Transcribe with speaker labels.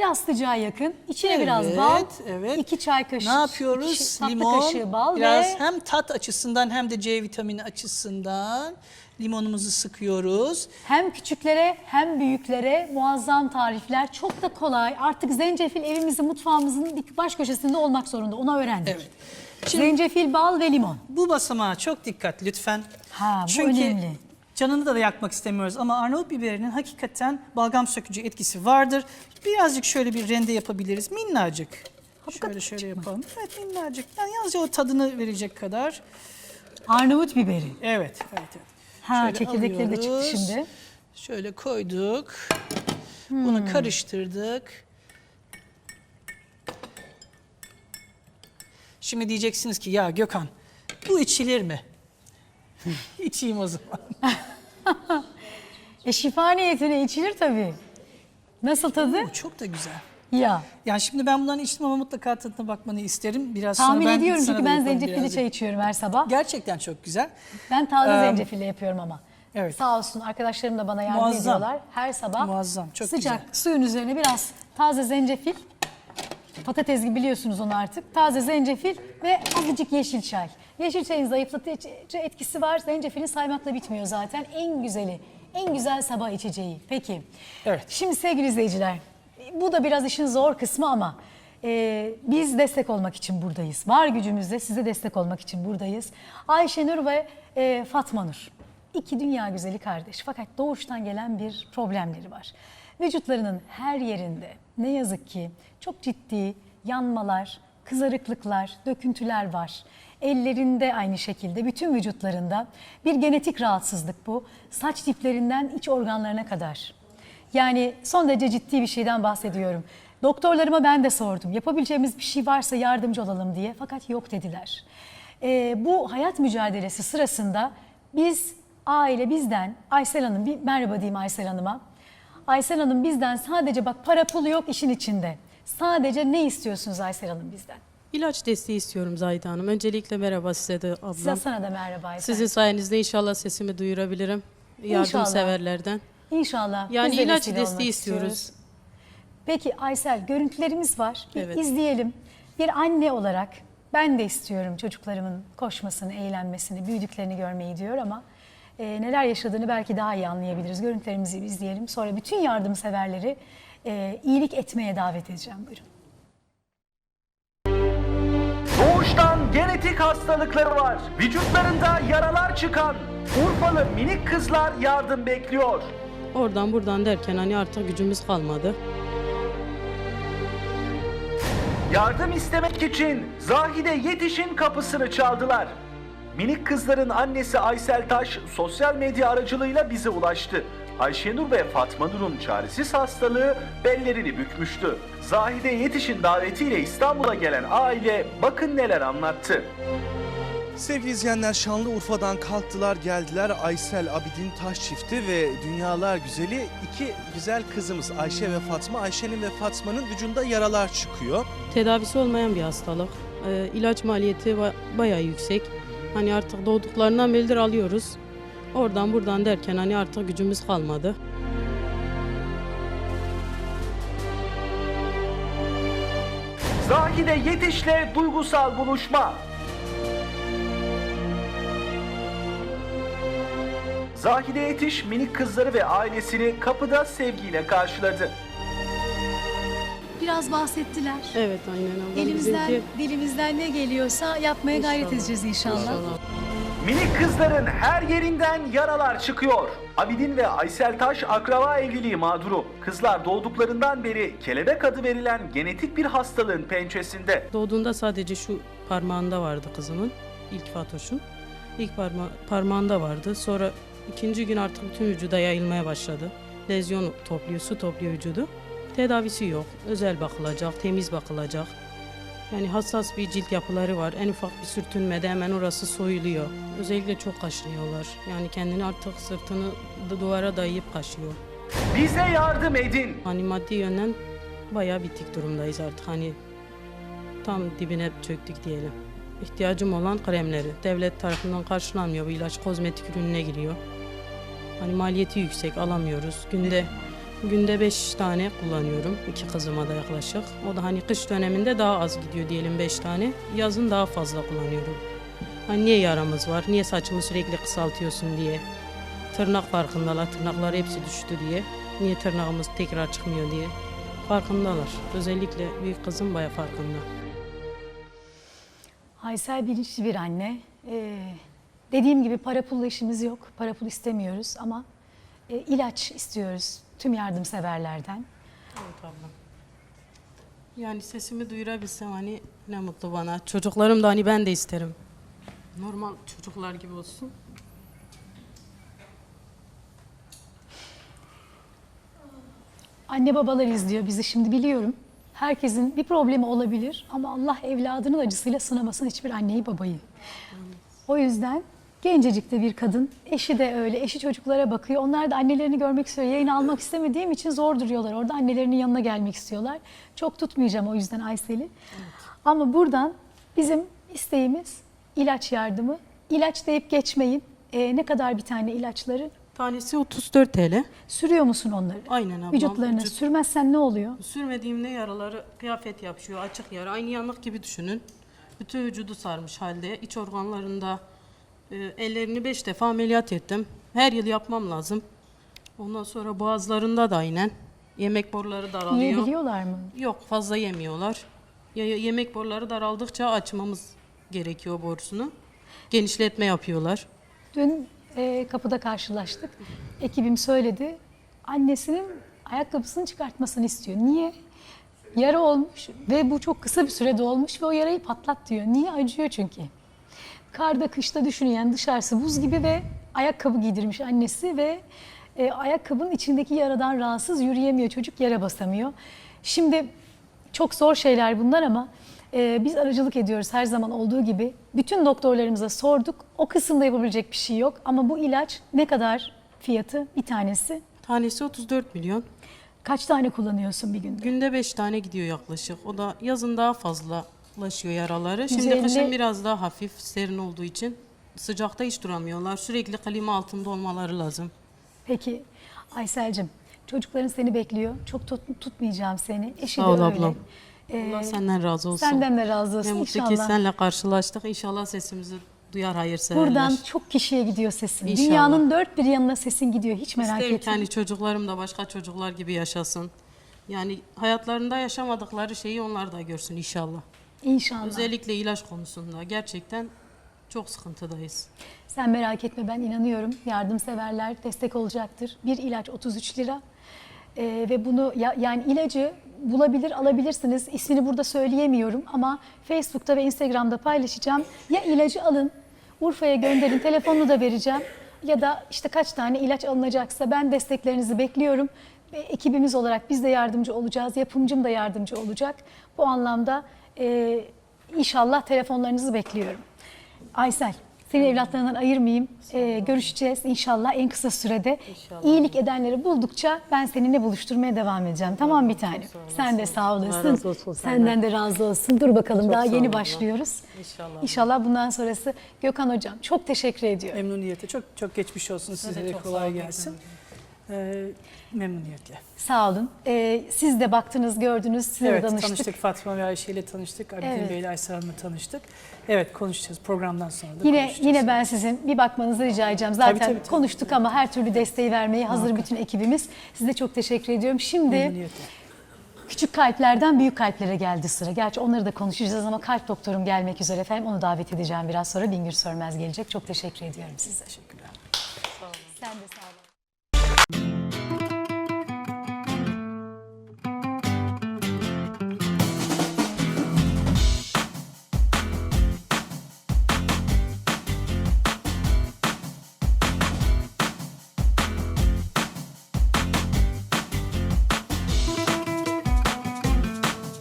Speaker 1: yastıcağa yakın. İçine biraz bal, 2 çay kaşığı,
Speaker 2: ne yapıyoruz?
Speaker 1: 2 tatlı
Speaker 2: Limon,
Speaker 1: kaşığı bal
Speaker 2: biraz
Speaker 1: ve
Speaker 2: hem tat açısından hem de C vitamini açısından limonumuzu sıkıyoruz.
Speaker 1: hem küçüklere hem büyüklere muazzam tarifler. Çok da kolay. Artık zencefil evimizin, mutfağımızın bir baş köşesinde olmak zorunda. Onu öğrendik.
Speaker 2: Evet. Şimdi,
Speaker 1: Zencefil, bal ve limon.
Speaker 2: bu basamağa çok dikkat lütfen.
Speaker 1: Ha, bu
Speaker 2: Çünkü
Speaker 1: önemli.
Speaker 2: canını da yakmak istemiyoruz ama Arnavut biberinin hakikaten balgam sökücü etkisi vardır. Birazcık şöyle bir rende yapabiliriz. Minnacık. Şöyle yapalım. Evet, minnacık. Yani yalnızca o tadını verecek kadar.
Speaker 1: Arnavut biberi.
Speaker 2: Evet.
Speaker 1: Ha,
Speaker 2: Şöyle
Speaker 1: çekirdekleri de çıktı
Speaker 2: alıyoruz.
Speaker 1: şimdi.
Speaker 2: Şöyle koyduk. Bunu karıştırdık. Şimdi diyeceksiniz ki ya Gökhan, bu içilir mi? İçeyim o zaman.
Speaker 1: Şifa niyetine içilir tabii. Nasıl tadı?
Speaker 2: Bu çok da güzel.
Speaker 1: Ya.
Speaker 2: Yani şimdi ben bundan içtim ama mutlaka tadına bakmanı isterim. Biraz
Speaker 1: Tahmin
Speaker 2: sonra
Speaker 1: ediyorum
Speaker 2: sana
Speaker 1: çünkü
Speaker 2: da
Speaker 1: ben
Speaker 2: yaparım
Speaker 1: zencefilli
Speaker 2: birazcık.
Speaker 1: çay içiyorum her sabah.
Speaker 2: Gerçekten çok güzel.
Speaker 1: Ben taze zencefille yapıyorum ama.
Speaker 2: Evet.
Speaker 1: Sağ olsun arkadaşlarım da bana yardım
Speaker 2: Muazzam.
Speaker 1: ediyorlar. Her sabah
Speaker 2: Muazzam, çok
Speaker 1: sıcak
Speaker 2: güzel.
Speaker 1: suyun üzerine biraz taze zencefil, patates gibi biliyorsunuz onu artık. Taze zencefil ve azıcık yeşil çay. Yeşil çayın zayıflatıcı etkisi var. Zencefilin saymakla bitmiyor zaten. En güzeli, en güzel sabah içeceği. Peki.
Speaker 2: Evet.
Speaker 1: Şimdi sevgili izleyiciler, bu da biraz işin zor kısmı ama biz destek olmak için buradayız. Var gücümüzle size destek olmak için buradayız. Ayşenur ve Fatma Nur. İki dünya güzeli kardeş fakat doğuştan gelen bir problemleri var. Vücutlarının her yerinde ne yazık ki çok ciddi yanmalar, kızarıklıklar, döküntüler var. Ellerinde aynı şekilde bütün vücutlarında bir genetik rahatsızlık bu. Saç diplerinden iç organlarına kadar. Yani son derece ciddi bir şeyden bahsediyorum. Doktorlarıma ben de sordum. Yapabileceğimiz bir şey varsa yardımcı olalım diye. Fakat yok dediler. Bu hayat mücadelesi sırasında bizden, Aysel Hanım, bir merhaba diyeyim Aysel Hanım'a. Aysel Hanım bizden sadece bak para pul yok işin içinde. Sadece ne istiyorsunuz Aysel Hanım bizden?
Speaker 3: İlaç desteği istiyorum Zahide Hanım. Öncelikle merhaba size de ablam.
Speaker 1: Size sana da merhaba Aysel.
Speaker 3: Sizin sayenizde inşallah sesimi duyurabilirim. Yardımseverlerden.
Speaker 1: İnşallah.
Speaker 3: Yani
Speaker 1: Biz de
Speaker 3: ilaç
Speaker 1: vesile olmak
Speaker 3: desteği istiyoruz.
Speaker 1: Peki Aysel, görüntülerimiz var. Bir
Speaker 3: Evet.
Speaker 1: izleyelim. Bir anne olarak ben de istiyorum çocuklarımın koşmasını, eğlenmesini, büyüdüklerini görmeyi diyor ama neler yaşadığını belki daha iyi anlayabiliriz. Görüntülerimizi izleyelim. Sonra bütün yardımseverleri iyilik etmeye davet edeceğim. Buyurun.
Speaker 4: Doğuştan genetik hastalıkları var. Vücutlarında yaralar çıkan Urfalı minik kızlar yardım bekliyor.
Speaker 3: Oradan buradan derken hani artık gücümüz kalmadı.
Speaker 4: Yardım istemek için Zahide Yetiş'in kapısını çaldılar. Minik kızların annesi Aysel Taş sosyal medya aracılığıyla bize ulaştı. Ayşenur ve Fatma Nur'un çaresiz hastalığı bellerini bükmüştü. Zahide Yetiş'in davetiyle İstanbul'a gelen aile bakın neler anlattı.
Speaker 5: Sevgili izleyenler, Şanlıurfa'dan kalktılar geldiler. Aysel Abidin Taş çifti ve dünyalar güzeli iki güzel kızımız Ayşe ve Fatma. Ayşe'nin ve Fatma'nın vücudunda yaralar çıkıyor.
Speaker 3: Tedavisi olmayan bir hastalık. İlaç maliyeti bayağı yüksek. Hani artık doğduklarından beridir alıyoruz. Oradan buradan derken hani artık gücümüz kalmadı.
Speaker 4: Zahide Yetiş'le duygusal buluşma. Zahide Yetiş minik kızları ve ailesini kapıda sevgiyle karşıladı.
Speaker 1: Biraz bahsettiler.
Speaker 3: Evet aynen ablam. Bizimki-
Speaker 1: Dilimizden ne geliyorsa yapmaya gayret edeceğiz inşallah.
Speaker 4: Minik kızların her yerinden yaralar çıkıyor. Abidin ve Aysel Taş akraba evliliği mağduru. Kızlar doğduklarından beri kelebek adı verilen genetik bir hastalığın pençesinde.
Speaker 3: Doğduğunda sadece şu parmağında vardı kızımın. İlk Fatoş'un. İlk parmağında vardı. Sonra ikinci gün artık bütün vücuda yayılmaya başladı. Lezyon topluyor, su topluyor vücudu. Tedavisi yok. Özel bakılacak, temiz bakılacak. Yani hassas bir cilt yapıları var. En ufak bir sürtünmede hemen orası soyuluyor. Özellikle çok kaşınıyorlar. Yani kendini artık sırtını duvara dayayıp kaşıyor.
Speaker 4: Bize yardım edin.
Speaker 3: Hani maddi yönden bayağı bitik durumdayız artık. Hani tam dibine çöktük diyelim. İhtiyacım olan kremleri devlet tarafından karşılanmıyor. Bu ilaç kozmetik ürününe giriyor. Hani maliyeti yüksek, alamıyoruz. Günde Günde 5 tane kullanıyorum. 2 kızıma da yaklaşık. O da hani kış döneminde daha az gidiyor diyelim 5 tane. Yazın daha fazla kullanıyorum. Hani niye yaramız var, niye saçımı sürekli kısaltıyorsun diye. Tırnak farkındalar, tırnakları hepsi düştü diye. Niye tırnağımız tekrar çıkmıyor diye. Farkındalar. Özellikle büyük kızım bayağı farkında.
Speaker 1: Aysel bilinçli bir anne. Dediğim gibi para pulla işimiz yok. Para pul istemiyoruz ama ilaç istiyoruz tüm yardımseverlerden.
Speaker 3: Evet ablam. Yani sesimi duyurabilsem hani ne mutlu bana. Çocuklarım da hani ben de isterim. Normal çocuklar gibi olsun.
Speaker 1: Anne babalar izliyor bizi şimdi biliyorum. Herkesin bir problemi olabilir ama Allah evladının acısıyla sınamasın hiçbir anneyi babayı. O yüzden gencecik de bir kadın, eşi de öyle, eşi çocuklara bakıyor. Onlar da annelerini görmek istiyor. Yayın almak istemediğim için zor duruyorlar. Orada annelerinin yanına gelmek istiyorlar. Çok tutmayacağım o yüzden Aysel'i. Evet. Ama buradan bizim isteğimiz ilaç yardımı. İlaç deyip geçmeyin. Ne kadar bir tane ilaçları?
Speaker 3: Tanesi 34 TL.
Speaker 1: Sürüyor musun onları?
Speaker 3: Aynen ablam.
Speaker 1: Vücutlarına sürmezsen ne oluyor?
Speaker 3: Sürmediğimde yaraları kıyafet yapışıyor, açık yara. Aynı yanık gibi düşünün. Bütün vücudu sarmış halde. İç organlarında ellerini 5 defa ameliyat ettim. Her yıl yapmam lazım. Ondan sonra boğazlarında da aynen. Yemek boruları daralıyor.
Speaker 1: Yiyebiliyorlar mı?
Speaker 3: Yok, fazla yemiyorlar. Yemek boruları daraldıkça açmamız gerekiyor borusunu. Genişletme yapıyorlar.
Speaker 1: Dün kapıda karşılaştık. Ekibim söyledi. Annesinin ayakkabısını çıkartmasını istiyor. Niye? Yara olmuş ve bu çok kısa bir sürede olmuş ve o yarayı patlat diyor. Niye? Acıyor çünkü. Karda kışta düşünün yani dışarısı buz gibi ve ayakkabı giydirmiş annesi ve ayakkabının içindeki yaradan rahatsız yürüyemiyor çocuk, yere basamıyor. Şimdi çok zor şeyler bunlar ama biz aracılık ediyoruz her zaman olduğu gibi. Bütün doktorlarımıza sorduk. O kısımda yapabilecek bir şey yok. Ama bu ilaç ne kadar fiyatı bir tanesi?
Speaker 3: Tanesi 34 milyon.
Speaker 1: Kaç tane kullanıyorsun bir günde?
Speaker 3: Günde 5 tane gidiyor yaklaşık. O da yazın daha fazlalaşıyor yaraları. Şimdi
Speaker 1: 150
Speaker 3: kışın biraz daha hafif, serin olduğu için sıcakta hiç duramıyorlar. Sürekli klima altında olmaları lazım.
Speaker 1: Peki Aysel'cim çocukların seni bekliyor. Çok tutmayacağım seni. Eşi
Speaker 3: Sağ ol
Speaker 1: de öyle.
Speaker 3: ablam. Allah senden razı olsun.
Speaker 1: Senden de razı olsun
Speaker 3: Ne mutlu ki
Speaker 1: inşallah.
Speaker 3: seninle karşılaştık. İnşallah sesimizi duyar hayırseverler.
Speaker 1: Buradan çok kişiye gidiyor sesin.
Speaker 3: İnşallah.
Speaker 1: Dünyanın dört bir yanına sesin gidiyor. Hiç merak
Speaker 3: İsterim ki
Speaker 1: etme.
Speaker 3: hani çocuklarım da başka çocuklar gibi yaşasın. Yani hayatlarında yaşamadıkları şeyi onlar da görsün inşallah.
Speaker 1: İnşallah.
Speaker 3: Özellikle ilaç konusunda gerçekten çok sıkıntıdayız.
Speaker 1: Sen merak etme ben inanıyorum. Yardımseverler destek olacaktır. Bir ilaç 33 lira. Ve bunu yani ilacı bulabilir alabilirsiniz. İsmini burada söyleyemiyorum ama Facebook'ta ve Instagram'da paylaşacağım. Ya ilacı alın, Urfa'ya gönderin, telefonunu da vereceğim. Ya da işte kaç tane ilaç alınacaksa ben desteklerinizi bekliyorum. Ve ekibimiz olarak biz de yardımcı olacağız. Yapımcım da yardımcı olacak. Bu anlamda inşallah telefonlarınızı bekliyorum. Aysel, seni evlatlarından ayırmayayım. Görüşeceğiz inşallah en kısa sürede.
Speaker 3: İnşallah.
Speaker 1: İyilik edenleri buldukça ben seninle buluşturmaya devam edeceğim. Tamam bir tanem. Sen de sağ olasın.
Speaker 3: razı olsun
Speaker 1: Senden de razı olsun. Dur bakalım daha
Speaker 3: sağ
Speaker 1: yeni
Speaker 3: ol abla.
Speaker 1: başlıyoruz.
Speaker 3: İnşallah.
Speaker 1: İnşallah bundan sonrası. Gökhan Hocam çok teşekkür ediyorum.
Speaker 2: Memnuniyete. Çok çok geçmiş olsun. Size de
Speaker 3: çok sağ
Speaker 2: kolay
Speaker 3: olun.
Speaker 2: gelsin. Memnuniyetle.
Speaker 1: Sağ olun. Siz de baktınız, gördünüz, size
Speaker 2: Evet,
Speaker 1: de danıştık.
Speaker 2: tanıştık. Fatma ve Ayşe ile tanıştık. Abidin
Speaker 1: Evet.
Speaker 2: Bey ile Aysel Hanım'la tanıştık. Evet, konuşacağız. Programdan sonra da
Speaker 1: Yine
Speaker 2: konuşacağız.
Speaker 1: yine ben sizin bir bakmanızı rica edeceğim. Zaten
Speaker 2: tabii.
Speaker 1: konuştuk ama her türlü desteği vermeye hazır bütün ekibimiz. Size çok teşekkür ediyorum. Şimdi
Speaker 2: Memnuniyetle.
Speaker 1: küçük kalplerden büyük kalplere geldi sıra. Gerçi onları da konuşacağız ama kalp doktorum gelmek üzere efendim. Onu davet edeceğim biraz sonra. Bingür Sörmez gelecek. Çok teşekkür ediyorum size.
Speaker 2: Teşekkürler.
Speaker 1: Sen de sağ olun.